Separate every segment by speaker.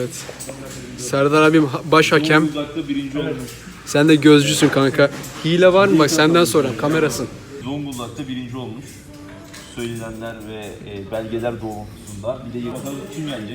Speaker 1: Evet. Serdar abim baş hakem.
Speaker 2: Zonguldak'ta birinci olmuş.
Speaker 1: Sen de gözcüsün kanka. Hile var mı? Bak senden sonra kamerasın.
Speaker 2: Zonguldak'ta birinci olmuş. Söylenenler ve belgeler doğrultusunda. Bir de bakalım kim gelecek?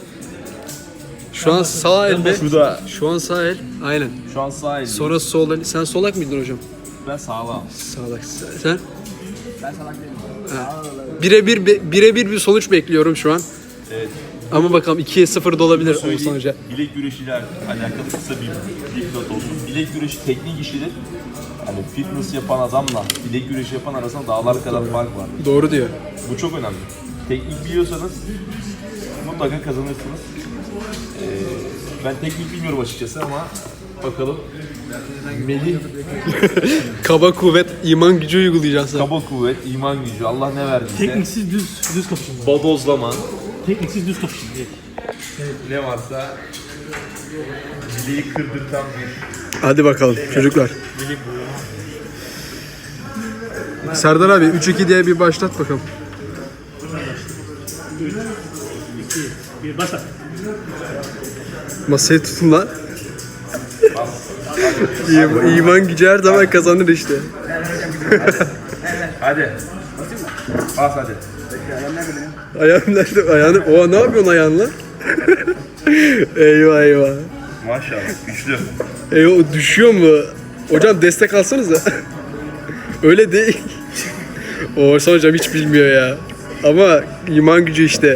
Speaker 1: Şu an sağ el mi?
Speaker 2: Şurada.
Speaker 1: Şu an sağ el. Aynen.
Speaker 2: Şu an sağ elinde.
Speaker 1: Sonra sol el. Sen solak mıydın hocam?
Speaker 2: Ben sağlam.
Speaker 1: Sağlak. Sen? Ben salak değilim. Birebir bir sonuç bekliyorum şu an.
Speaker 2: Evet.
Speaker 1: Ama bakalım 2'ye 0 da olabilir o
Speaker 2: Söyleyeyim,
Speaker 1: sonuca.
Speaker 2: bilek güreşiyle alakalı kısa bir dipnot olsun. Bilek güreşi teknik işidir. Hani fitness yapan adamla bilek güreşi yapan arasında dağlar kadar fark var.
Speaker 1: Doğru diyor.
Speaker 2: Bu çok önemli. Teknik biliyorsanız mutlaka kazanırsınız. Ben teknik bilmiyorum açıkçası ama bakalım. Melih
Speaker 1: Kaba kuvvet, iman gücü uygulayacaksın.
Speaker 2: kaba kuvvet, iman gücü, Allah ne verdiyse.
Speaker 3: Tekniksiz düz kapışın.
Speaker 2: Bodozlama,
Speaker 3: Tekniksiz düz kapışın.
Speaker 2: ne varsa bileği kırdırtan bir
Speaker 1: Hadi bakalım çocuklar.
Speaker 2: bilek
Speaker 1: Serdar abi 3-2 diye bir başlat bakalım.
Speaker 3: 1 başla.
Speaker 1: Masayı tutun lan. İman gücü her zaman kazanır işte.
Speaker 2: Hadi. Bas hadi.
Speaker 1: Ayağım nerede? Ayağını... Oha ne yapıyorsun ayağınla? Eyvah eyvah.
Speaker 2: Maşallah güçlü.
Speaker 1: Eyvah düşüyor mu? Hocam destek alsanıza. Öyle değil. Oğuzhan hocam hiç bilmiyor ya. Ama iman gücü işte.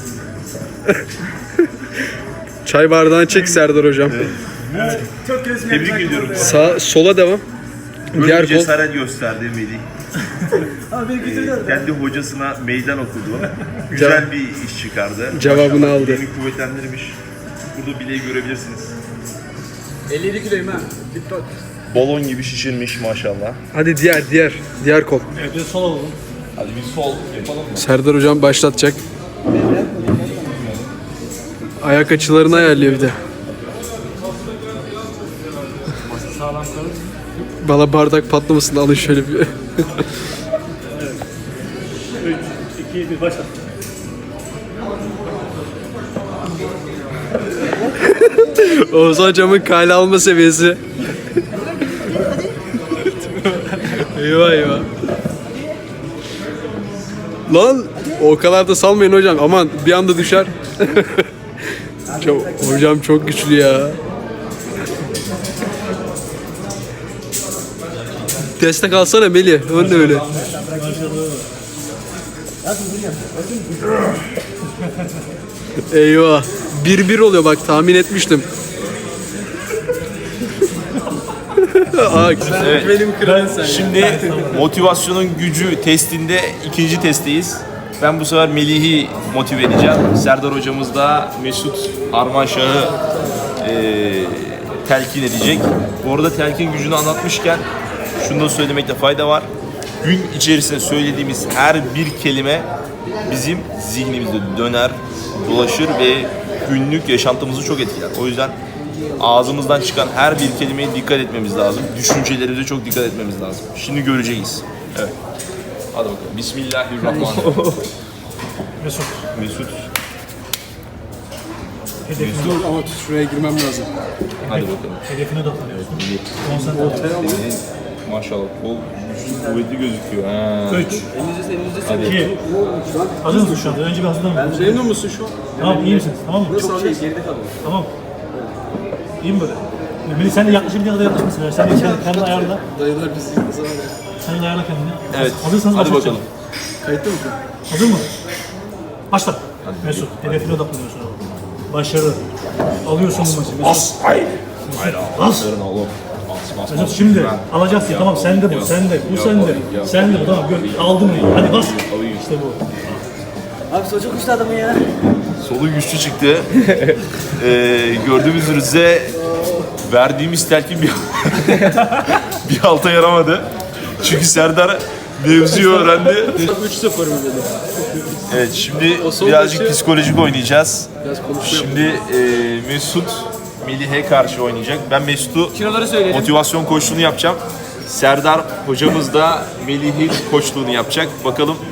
Speaker 1: Çay bardağını çek Serdar hocam.
Speaker 2: Tebrik ediyorum.
Speaker 1: Sola devam.
Speaker 2: Böyle
Speaker 1: Diğer
Speaker 2: bir
Speaker 1: kol.
Speaker 2: cesaret gösterdi Melih. Kendi hocasına meydan okudu. Güzel bir iş çıkardı.
Speaker 1: Cevabını
Speaker 2: Maşallah,
Speaker 1: aldı.
Speaker 2: bileğini kuvvetlendirmiş. Burada bileği görebilirsiniz.
Speaker 1: 57 kiloyum ha.
Speaker 2: Balon gibi şişirmiş maşallah.
Speaker 1: Hadi diğer kol.
Speaker 3: Evet, bir sol alalım.
Speaker 2: Hadi bir sol yapalım mı?
Speaker 1: Serdar hocam başlatacak. Ayak açılarını ayarlıyor bir de.
Speaker 3: Sağlam kalın.
Speaker 1: Bana bardak patlamasın da alın şöyle bir.
Speaker 3: 3, 2, 1 başla.
Speaker 1: Oğuzhan hocamın kale alma seviyesi. Eyvah eyvah. Lan o kadar da salmayın hocam. Aman bir anda düşer. Hocam çok güçlü ya. Destek alsana Melih. Ön de öyle. Eyvah. 1-1 oluyor bak tahmin etmiştim.
Speaker 2: Evet.
Speaker 1: Benim kralım sen.
Speaker 2: Şimdi motivasyonun gücü testinde ikinci testteyiz. Ben bu sefer Melih'i motive edeceğim. Serdar hocamız da Mesut Armanşah'ı telkin edecek. Bu arada telkin gücünü anlatmışken şunu da söylemekte fayda var. Gün içerisinde söylediğimiz her bir kelime bizim zihnimizde döner, dolaşır ve günlük yaşantımızı çok etkiler. O yüzden ağzımızdan çıkan her bir kelimeye dikkat etmemiz lazım. Düşüncelerimize çok dikkat etmemiz lazım. Şimdi göreceğiz. Evet. Hadi bakalım. Bismillahirrahmanirrahim.
Speaker 3: Mesut.
Speaker 2: Mesut.
Speaker 1: Dur ama şuraya girmem lazım.
Speaker 2: Hadi bakalım.
Speaker 3: Hedefine odaklanıyorsun. Konsantre ol.
Speaker 2: Maşallah kol güçlü, kuvvetli gözüküyor.
Speaker 3: 3, 2, hazır mısın şu anda? Önce bir hazırlan.
Speaker 1: Memnun musun şu an?
Speaker 3: Tamam, iyi misiniz? Tamam mı?
Speaker 1: Çok şey geride kaldım.
Speaker 3: Tamam. İyi mi böyle? Melih sen de yaklaşabildiğin kadar yaklaş mesela. Sen de kendini ayarla.
Speaker 1: Dayılar bizi izlese var ya.
Speaker 3: Sen de ayarla kendini.
Speaker 2: Evet.
Speaker 3: Hazırsanız
Speaker 2: Hadi
Speaker 3: başlayalım.
Speaker 2: bakalım.
Speaker 1: Kayıtta mı?
Speaker 3: Hazır mı? Başla. Mesut, hedefine odaklanıyorsun. Başarı. Alıyorsun bu maçı.
Speaker 2: Bas. Hayır.
Speaker 3: Bas.
Speaker 2: Verin oğlum. Bas.
Speaker 3: Mesut şimdi alacaksın. Tamam sende bu, sende. Bu sende. Sende bu, tamam. Aldın mı? Hadi bas. İşte bu.
Speaker 4: Abi çocuk uçtu adamın ya.
Speaker 2: Solu güçlü çıktı. Gördüğümüz üzere verdiğimiz telkin bir alta yaramadı. Çünkü Serdar mevzuyu öğrendi.
Speaker 1: 3-0 mı dedi?
Speaker 2: Evet şimdi
Speaker 1: son
Speaker 2: birazcık
Speaker 1: maçı-
Speaker 2: psikolojik oynayacağız.
Speaker 1: Biraz konuşuyor.
Speaker 2: Şimdi Mesut Melih'e karşı oynayacak. Ben Mesut'u
Speaker 1: Kiloları söyleyelim.
Speaker 2: motivasyon koçluğunu yapacağım. Serdar hocamız da Melih'in koçluğunu yapacak. Bakalım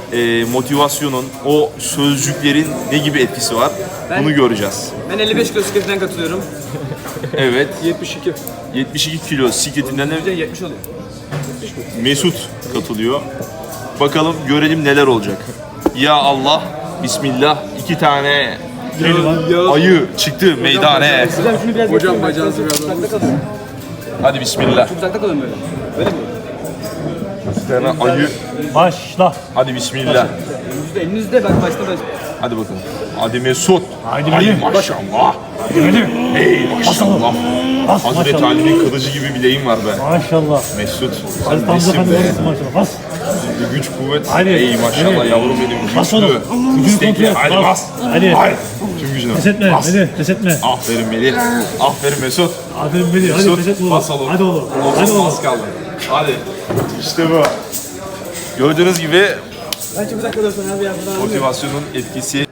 Speaker 2: motivasyonun, o sözcüklerin ne gibi etkisi var? Bunu göreceğiz.
Speaker 4: Ben 55 kilo sikletinden katılıyorum.
Speaker 2: Evet.
Speaker 1: 72.
Speaker 2: 72 kilo sikletinden de
Speaker 4: 70 oluyor.
Speaker 2: Mesut katılıyor. Bakalım görelim neler olacak. Ya Allah, Bismillah. 2 tane ayı çıktı meydane.
Speaker 4: Hocam şunu biraz
Speaker 1: Hocam bacağınızı biraz
Speaker 4: uzakta kalın.
Speaker 2: Hadi Bismillah.
Speaker 4: Uzakta kalın böyle. Böyle mi?
Speaker 2: 2 tane ayı.
Speaker 3: Başla.
Speaker 2: Hadi Bismillah.
Speaker 4: Elinizde bak başta baş.
Speaker 2: Hadi bakalım. Hadi Mesut.
Speaker 3: Haydi
Speaker 2: Ay
Speaker 3: benim.
Speaker 2: maşallah.
Speaker 3: Benim.
Speaker 2: Ey maşallah.
Speaker 3: Bas
Speaker 2: Hazreti
Speaker 3: maşallah.
Speaker 2: Ali'nin kılıcı gibi bileğin var be.
Speaker 3: Maşallah.
Speaker 2: Mesut.
Speaker 3: Hadi
Speaker 2: Sen
Speaker 3: tam
Speaker 2: nesin
Speaker 3: zaten
Speaker 2: be?
Speaker 3: doğrusun maşallah. Bas.
Speaker 2: Güç kuvvet.
Speaker 3: Hadi.
Speaker 2: Ey maşallah
Speaker 3: Hadi.
Speaker 2: yavrum benim.
Speaker 3: Bas
Speaker 2: Güçlü.
Speaker 3: oğlum. Gücünü kontrol
Speaker 2: İstekli.
Speaker 3: et.
Speaker 2: Hadi bas.
Speaker 3: Hadi.
Speaker 2: Hayır. Tüm gücünü.
Speaker 3: Pes etme.
Speaker 2: Bas.
Speaker 3: Hadi pes etme.
Speaker 2: Aferin Melih. Aferin Mesut.
Speaker 3: Aferin Melih. Hadi
Speaker 2: Mesut,
Speaker 3: pes etme oğlum.
Speaker 2: bas oğlum.
Speaker 3: Hadi oğlum. Hadi oğlum.
Speaker 2: Az kaldı. Hadi. İşte bu. Gördüğünüz gibi
Speaker 4: Ben çok uzak kalıyorsun abi ya.
Speaker 2: motivasyonun etkisi.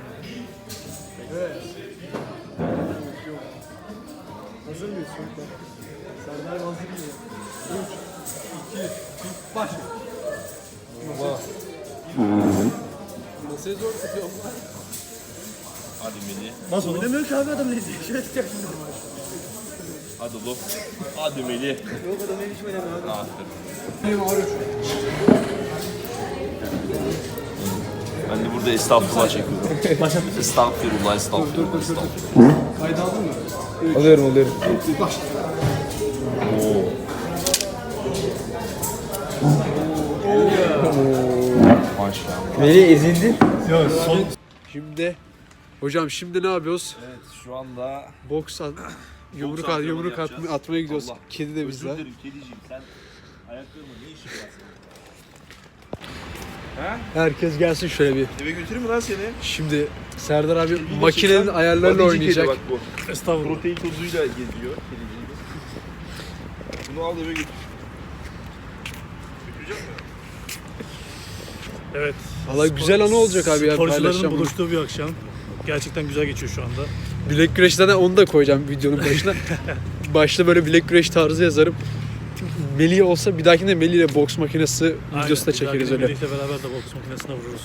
Speaker 2: Hadi Melih.
Speaker 3: Bas oğlum.
Speaker 4: Demiyor ki abi adam ne diyor? Şöyle tutacaksın.
Speaker 2: Hadi oğlum. Hadi Melih.
Speaker 4: Yok adam ne biçim önemli abi.
Speaker 2: Aferin. Ben de burada estağfurullah çekiyorum.
Speaker 3: Başla.
Speaker 2: Estağfurullah, estağfurullah, estağfurullah.
Speaker 1: Alıyorum.
Speaker 2: Maşallah.
Speaker 4: Melih ezildi.
Speaker 3: Yok son.
Speaker 1: Şimdi hocam şimdi ne yapıyoruz?
Speaker 2: Evet, şu anda
Speaker 1: Boks yumruk
Speaker 2: antrenmanı yapacağız.
Speaker 1: atmaya gidiyoruz.
Speaker 2: Allah.
Speaker 1: Kedi de bizler.
Speaker 2: Özür dilerim kediciğim, sen ayaklarıma ne işin var senin?
Speaker 1: Herkes gelsin şöyle bir.
Speaker 2: Eve götüreyim mi lan seni?
Speaker 1: Şimdi Serdar abi
Speaker 2: Kediyle
Speaker 1: makinenin
Speaker 2: çıksan,
Speaker 1: ayarlarıyla
Speaker 2: badici kedi
Speaker 1: oynayacak.
Speaker 2: Bak bu.
Speaker 3: Estağfurullah.
Speaker 2: Protein tozuyla geziyor kediciğimiz. Bunu al eve götür. Götürecek mi?
Speaker 3: Evet.
Speaker 1: Valla güzel anı olacak abi ya,
Speaker 3: Sporcuların
Speaker 1: paylaşacağım bunu.
Speaker 3: buluştuğu bir akşam. Gerçekten güzel geçiyor şu anda.
Speaker 1: Bilek güreşten de onu da koyacağım videonun başına. Başta böyle bilek güreş tarzı yazarım. Melih olsa bir dahakinde Melih ile boks makinesi videosu da çekeriz öyle.
Speaker 3: Birlikte beraber de boks makinesine vururuz.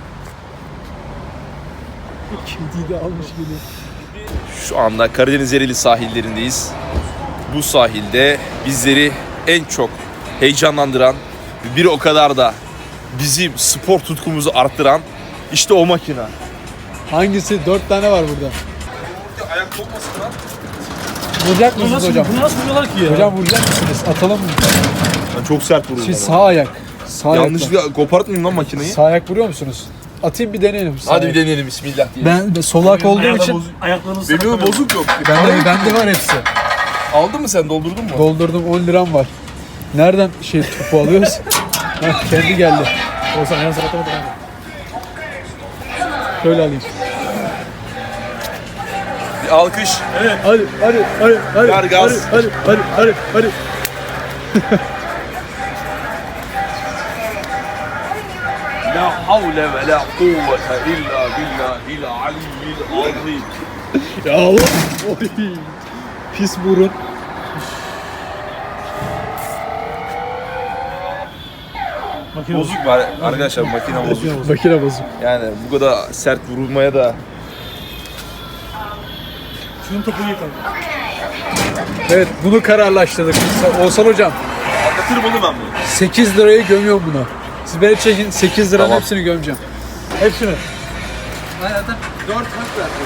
Speaker 1: Kediyi de almış geliyor.
Speaker 2: Şu anda Karadeniz Ereğli sahillerindeyiz. Bu sahilde bizleri en çok heyecanlandıran, bir o kadar da bizim spor tutkumuzu arttıran işte o makine.
Speaker 1: Hangisi? 4 tane var burada.
Speaker 2: Ayak kopmasın lan.
Speaker 1: Vuracak mısınız hocam?
Speaker 3: Bunu nasıl vuruyorlar ki ya?
Speaker 1: Hocam vuracak mısınız? Atalım mı?
Speaker 2: Ben çok sert vururum.
Speaker 1: Şey sağ ayak. Sağ ayakla.
Speaker 2: Yanlışlıkla kopartmayayım lan makineyi.
Speaker 1: Sağ ayak vuruyor musunuz? Atayım bir deneyelim. Sağ
Speaker 2: Hadi bir
Speaker 1: ayak.
Speaker 2: deneyelim bismillah diye.
Speaker 1: Ben sol ayak olduğum için
Speaker 3: Ayaklarınızı
Speaker 2: Benim de bozuk yok.
Speaker 1: bende var hepsi.
Speaker 2: Aldın mı sen, doldurdun mu?
Speaker 1: Doldurdum, 10 liram var. Nereden topu alıyoruz? Heh, kendi geldi.
Speaker 3: Olsan ayağını sakatlamadın.
Speaker 1: Şöyle alayım.
Speaker 2: Bir alkış.
Speaker 1: Hadi.
Speaker 2: Ver gaz.
Speaker 1: Hadi.
Speaker 2: La havle ve la kuvvete illa billahil aliyyil azim.
Speaker 1: Ya Allah. Oy. Pis burun.
Speaker 3: Makine
Speaker 2: Bozuk var arkadaşlar, makine bozuk.
Speaker 1: Makine bozuk.
Speaker 2: Yani bu kadar sert vurulmaya da
Speaker 3: Şunun topu iyi kanka.
Speaker 1: Evet, bunu kararlaştırdık. Oğuzhan hocam,
Speaker 2: anlatırım oğlum ben bunu.
Speaker 1: 8 lirayı gömüyorum buna. Siz beni çekin, 8 liranın
Speaker 2: Tamam.
Speaker 1: hepsini gömeceğim.
Speaker 3: Hepsini.
Speaker 1: Zaten 4 hak verdim.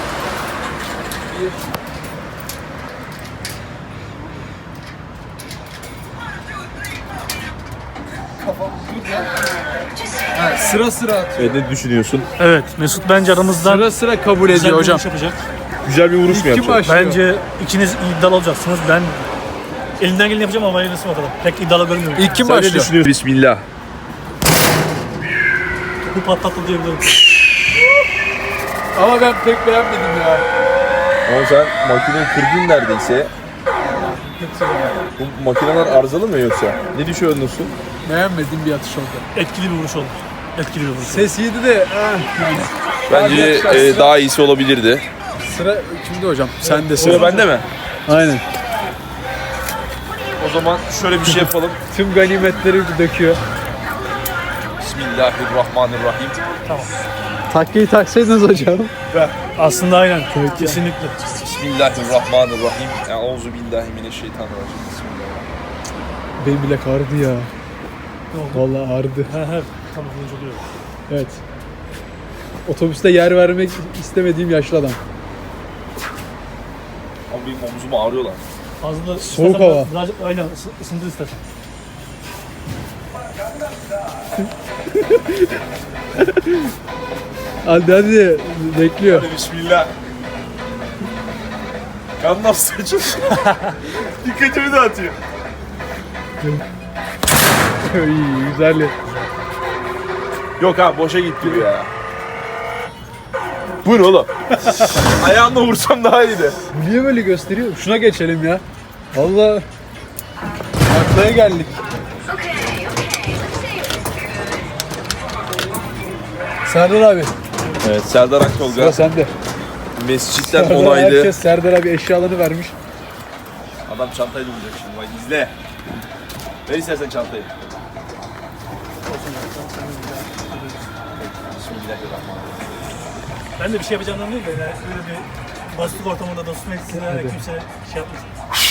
Speaker 1: Sıra sıra atıyor.
Speaker 2: Ne düşünüyorsun?
Speaker 3: Evet Mesut bence aramızdan
Speaker 1: Sıra kabul
Speaker 3: güzel
Speaker 1: ediyor
Speaker 3: bir
Speaker 1: hocam.
Speaker 3: vuruş yapacak.
Speaker 2: Güzel bir vuruş mu
Speaker 1: Kim
Speaker 2: yapacak?
Speaker 1: başlıyor?
Speaker 3: Bence ikiniz iddialı olacaksınız. Ben elimden geleni yapacağım ama hayırlısı bakalım. Pek iddialı görünmüyorum.
Speaker 1: İlk kim
Speaker 2: Sen ne
Speaker 1: başlıyor?
Speaker 2: düşünüyorsun? Bismillah.
Speaker 3: Bu patlattı diyebilirim.
Speaker 1: Ama ben pek beğenmedim ya.
Speaker 2: Ama sen makineyi kırdın neredeyse. Bu makineler arızalı mı yoksa? Ne düşünüyorsun?
Speaker 1: Beğenmediğim bir atış oldu.
Speaker 3: Etkili bir vuruş oldu. Etkili bir vuruş.
Speaker 1: Ses iyiydi de
Speaker 2: Bence
Speaker 1: Hadi,
Speaker 2: daha iyisi olabilirdi.
Speaker 1: sıra kimde hocam? Sen de
Speaker 2: Sıra
Speaker 1: sıra.
Speaker 2: bende mi?
Speaker 1: Aynen.
Speaker 2: O zaman şöyle bir şey yapalım.
Speaker 1: Tüm ganimetleri döküyor.
Speaker 2: Bismillah. Bismillahirrahmanirrahim.
Speaker 1: Takkeyi taksaydınız hocam.
Speaker 3: Aslında aynen. Kesinlikle.
Speaker 2: Bismillahirrahmanirrahim. Euzubillahimineşşeytanirracim. Bismillahirrahmanirrahim.
Speaker 1: Benim bile ağrıdı ya.
Speaker 3: Ne oldu?
Speaker 1: Vallahi ağrıdı.
Speaker 3: He. Tam kılınç oluyor.
Speaker 1: Evet. Otobüste yer vermek istemediğim yaşlı adam.
Speaker 2: Ama benim omzum ağrıyor lan.
Speaker 3: Fazla
Speaker 1: Soğuk
Speaker 3: istersen
Speaker 1: hava.
Speaker 3: Birazcık aynen ısındır istersen.
Speaker 1: Hadi bekliyor.
Speaker 2: Hadi bismillah. Kan nasıl saçın? Dikkatimi dağıtıyor.
Speaker 1: İyi güzel.
Speaker 2: Yok abi boşa gitti bu ya. Bu ne oğlum? Ayağımla vursam daha iyiydi.
Speaker 1: Niye böyle gösteriyor? Şuna geçelim ya. Vallahi aklaya geldik. Serdar abi,
Speaker 2: Evet Serdar Aktolga
Speaker 1: sıra sende.
Speaker 2: mescitten
Speaker 1: Serdar,
Speaker 2: onaylı.
Speaker 1: herkes Serdar abi eşyalarını vermiş.
Speaker 2: Adam çantayla vuracak şimdi bak izle. Ver istersen çantayı. Bismillahirrahmanirrahim.
Speaker 3: Ben de bir şey yapacağımdan değil de yani böyle bir basitlik ortamında dostum eksine kimse şey yapmasın.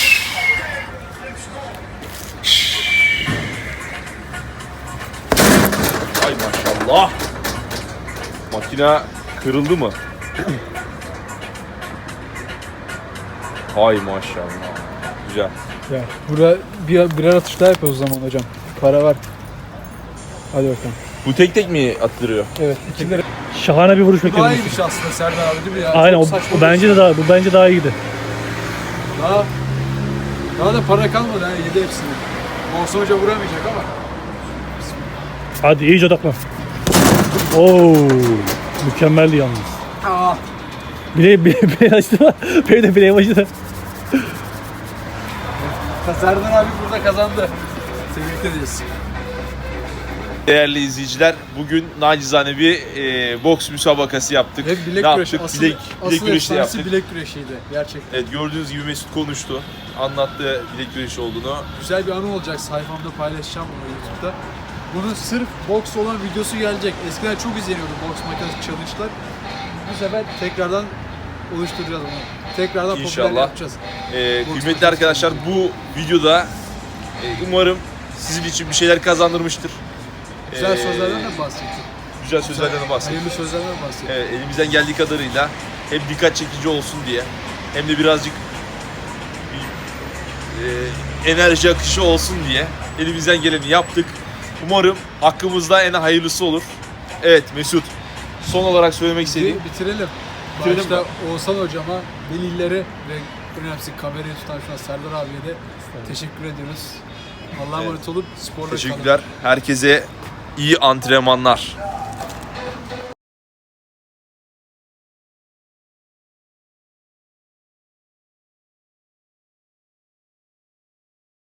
Speaker 2: Ay maşallah. Makine kırıldı mı? Ay maşallah. Güzel.
Speaker 1: Ya burada birer atış daha yapıyoruz o zaman hocam. Para var. Hadi bakalım.
Speaker 2: Bu tek tek mi attırıyor?
Speaker 1: Evet, ikileri.
Speaker 3: Şahane bir vuruş bekledim.
Speaker 1: Daha iyiymiş aslında Serdar abi değil mi ya?
Speaker 3: Aynen
Speaker 1: Çok
Speaker 3: o
Speaker 1: saçma
Speaker 3: bence de daha bu bence daha iyiydi.
Speaker 1: Daha da para kalmadı yani yedi hepsini. Olsa hoca vuramayacak ama.
Speaker 3: Hadi iyice odaklan. Oo, mükemmeldi yalnız.
Speaker 1: Aa.
Speaker 3: Bile açtı. Benim de bileğim acıdı.
Speaker 1: Serdar abi burada kazandı. Tebrik ederiz.
Speaker 2: Değerli izleyiciler, bugün nacizane bir boks müsabakası yaptık.
Speaker 1: Hep bilek
Speaker 2: ne
Speaker 1: güreşi.
Speaker 2: yaptık? Bilek güreşi de
Speaker 1: efsanesi
Speaker 2: yaptık.
Speaker 1: bilek güreşiydi gerçekten.
Speaker 2: Evet, gördüğünüz gibi Mesut konuştu. Anlattı bilek güreşi olduğunu.
Speaker 1: Güzel bir anı olacak. Sayfamda paylaşacağım bunu YouTube'da. Bunun sırf boks olan videosu gelecek. Eskiden çok izleniyordu boks makinesi challenge'lar. Bu sefer tekrardan oluşturacağız bunu. Tekrardan popüler
Speaker 2: İnşallah.
Speaker 1: yapacağız.
Speaker 2: Kıymetli arkadaşlar, bu videoda umarım sizin için bir şeyler kazandırmıştır.
Speaker 1: Güzel sözlerden de bahsettik.
Speaker 2: Güzel sözlerden de bahsettik.
Speaker 1: Hayırlı sözlerden de bahsettik.
Speaker 2: Elimizden geldiği kadarıyla hem dikkat çekici olsun diye hem de birazcık enerji akışı olsun diye elimizden geleni yaptık. Umarım hakkımızda en hayırlısı olur. Evet Mesut, son olarak söylemek istediğim.
Speaker 1: Bitirelim.
Speaker 2: Bitirelim
Speaker 1: Başta
Speaker 2: mi?
Speaker 1: Oğuzhan hocama, velilere ve önemlisi kamerayı tutan şu an Serdar abiye de teşekkür ediyoruz. Allah'a emanet olup sporla kalın.
Speaker 2: Teşekkürler. Herkese iyi antrenmanlar.